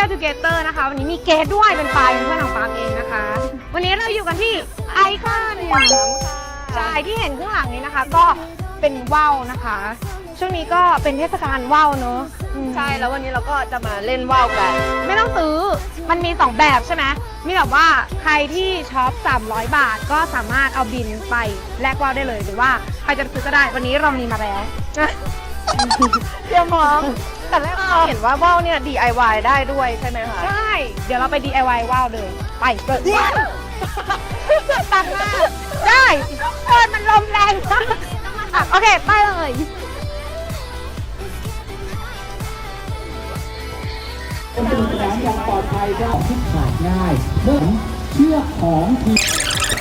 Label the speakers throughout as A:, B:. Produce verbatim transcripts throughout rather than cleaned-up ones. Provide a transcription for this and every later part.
A: Together นะคะวันนี้มีเกสด้วยเป็นปลายเป็นเพื่อนของปาล์มเองนะคะวันนี้เราอยู่กันที่ไอคอนใช่ที่เห็นข้างหลังนี้นะคะก็เป็นว่าวนะคะช่วงนี้ก็เป็นเทศกาลว่าวเนอะ
B: ใช่แล้ววันนี้เราก็จะมาเล่นว่าวกัน
A: ไม่ต้องซื้อมันมีสองแบบใช่ไหมมีแบบว่าใครที่ช็อปสามร้อยบาทก็สามารถเอาบินไปแลกว่าวได้เลยหรือว่าใครจะซื้อก็ได้วันนี้เรามีมาแล้ว
B: เตรียมพร้อมแต่แรกเราเห็นว่าว่าวเนี่ย ดี ไอ วาย ได้ด้วยใช่ไหมคะ
A: ใช่เดี๋ยวเราไป ดี ไอ วาย ว่าวเลยไปเปิดตังหน้าได้เปิดมันลมแรงมากโอเคไปเลย
C: เป็นสนามอย่างปลอดภัยก็ที่ขาดง่ายเมื่อเชือกของทีม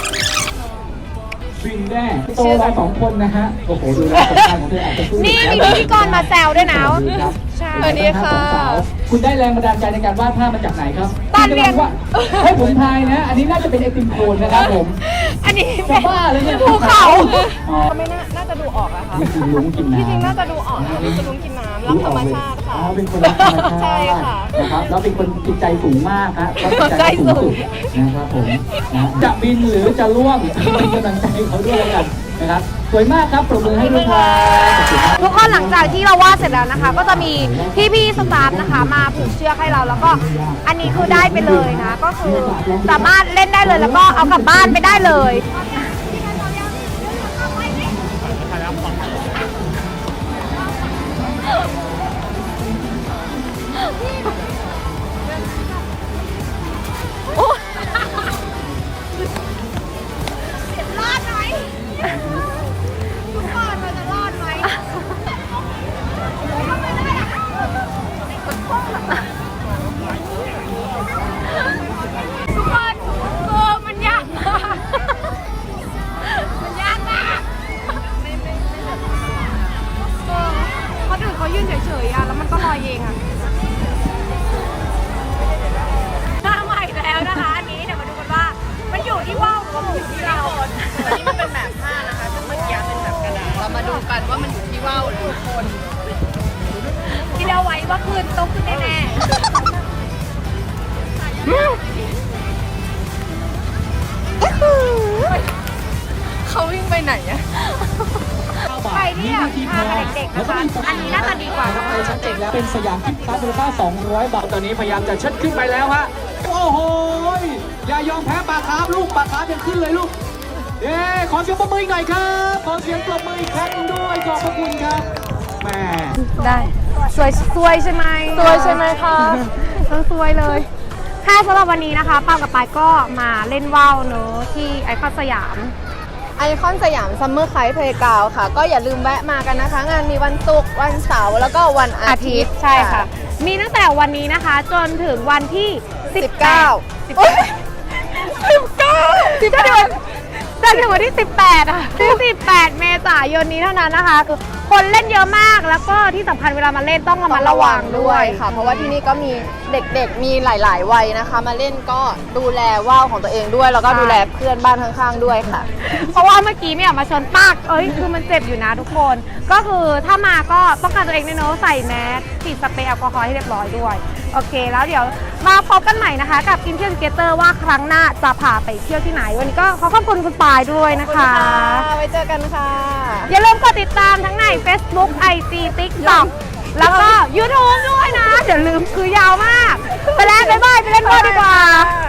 C: ฟินแน่โตเราสองคนนะฮะโอ้โหดูแลผลงานของเธออาจจะสู้
A: นี่มีพิธีกรมาแซวด้วยนะ
C: ใช่สวัสดีค่ะคุณได้แรงบันดาลใจในการวาดภาพมาจากไหนครับ
A: ตอนเรียน
C: ว่าให้ผมทายนะอันนี้น่าจะเป็นไอติมโคนนะครับผม
A: อันนี้
C: เป็นบ้าเลยเนี่ย
A: ภูเขา
B: ก็ไม่น่าน่าจะดูออกอะค่ะ
C: กินลุ้งกินน้ำ
B: ที่จริงน่าจะดูออกนะคือลุ้งกินน้ำรักธรรมชาติค่ะ
C: อ๋อเป็นคนรักธรรมชาติใช่ค่ะนะครับแล้วเป็นคนจิตใจสูงมากครับจิตใจสูงสุดนะครับผมจะบินหรือจะล่วงเป็นกำลังใจเขาด้วยกันนะครับสวยมากครับปรบมือให้ด้วยครับ
A: ทุกคนหลังจากที่เราวาดเสร็จแล้วนะคะก็จะมีพี่ๆสตาฟนะคะมาผูกเชือกให้เราแล้วก็อันนี้คือได้ไปเลยนะก็คือสามารถเล่นได้เลยแล้วก็เอากลับบ้านไปได้เลยรอดไหมทุกคนเราจะรอดไหมทุกคนเออมันยากมากมันยากมากเออคนอื่นเขายืนเฉยๆอ่ะแล้วมันก็ลอยเองอ่ะหน้าใหม่แล้วนะคะอันนี้เดี๋ยวมาดูกันว่ามันอยู่ที่ว่าวหรือว่ามันอยู่ที่เรา
B: วันนี้มันเป็นแบบผ้านะคะซึ่งเมื่อกี้เป็นแบบกระดาษเรามาดูกันว่ามันอยู่ที่ว่าวหรือคน
A: ที่เราไว้ว่าคืนต้องขึ้นแน่ๆ
B: เขาวิ่งไปไหนอะ
A: ใครที่อยากพาเด็กๆนะคะอันนี้น่าจะดีกว่า
C: ไปชั้นเจ็ดแล้วเป็นสยามกิฟต์การ์ดมูลค่าสองร้อยบาทตอนนี้พยายามจะเชิดขึ้นไปแล้วฮะโอ้โหอย่ายอมแพ้ปลาคาร์ฟลูกปลาคาร์ฟยังขึ้นเลยลูกเย้ขอเสียงปรบมือหน่อยครับขอเสียงปรบมืออีกครั้งด้วยขอบพระคุณครับแม่
A: ได้สวยสวยใช่ไหม
B: สวยใช่ไหมคะ
A: ต้องสวยเลยค่ะสำหรับวันนี้นะคะปาล์มกับปายก็มาเล่นว่าวเนอะที่ไอคอนสยาม
B: ไอคอนสยามซัมเมอร์ไคท์เพลย์กราวด์ค่ะก็อย่าลืมแวะมากันนะคะงานมีวันศุกร์วันเสาร์แล้วก็วันอาทิตย์
A: ใช่ค่ะมีตั้งแต่วันนี้นะคะจนถึงวันที่
B: สิบเก้า
A: สิบเก้าสิบเก้าจนถึงวันที่สิบแปดอ่ะที่สิบแปดเมษายนนี้เท่านั้นนะคะคือคนเล่นเยอะมากแล้วก็ที่สำคัญเวลามาเล่นต้องระมัดระวังด้วย
B: ค่ะเพราะว่าที่นี่ก็มีเด็กๆมีหลายๆวัยนะคะมาเล่นก็ดูแลว่าวของตัวเองด้วยแล้วก็ดูแลเพื่อนบ้านข้างๆด้วยค่ะ
A: เพราะว่าเมื่อกี้เนี่ยมาชนปากเอ้ยคือมันเจ็บอยู่นะทุกคนก็คือถ้ามาก็ป้องกันตัวเองด้วยเนาะใส่แมสฉีดสเปรย์แอลกอฮอล์ให้เรียบร้อยด้วยโอเคแล้วเดี๋ยวมาพบกันใหม่นะคะกับกินเที่ยวทูเกเตอร์ว่าครั้งหน้าจะพาไปเที่ยวที่ไหนวันนี้ก็ขอขอบคุณคุณปายด้วยนะคะ
B: ไว้เจอกันค่ะ
A: อย่าลืมกดติดตามทั้งใน Facebook ไอ จี TikTok แล้วก็ YouTube ด้วยนะอย่าลืมคือยาวมากไปแล้วบ๊ายบายไปเล่นบอลดีกว่า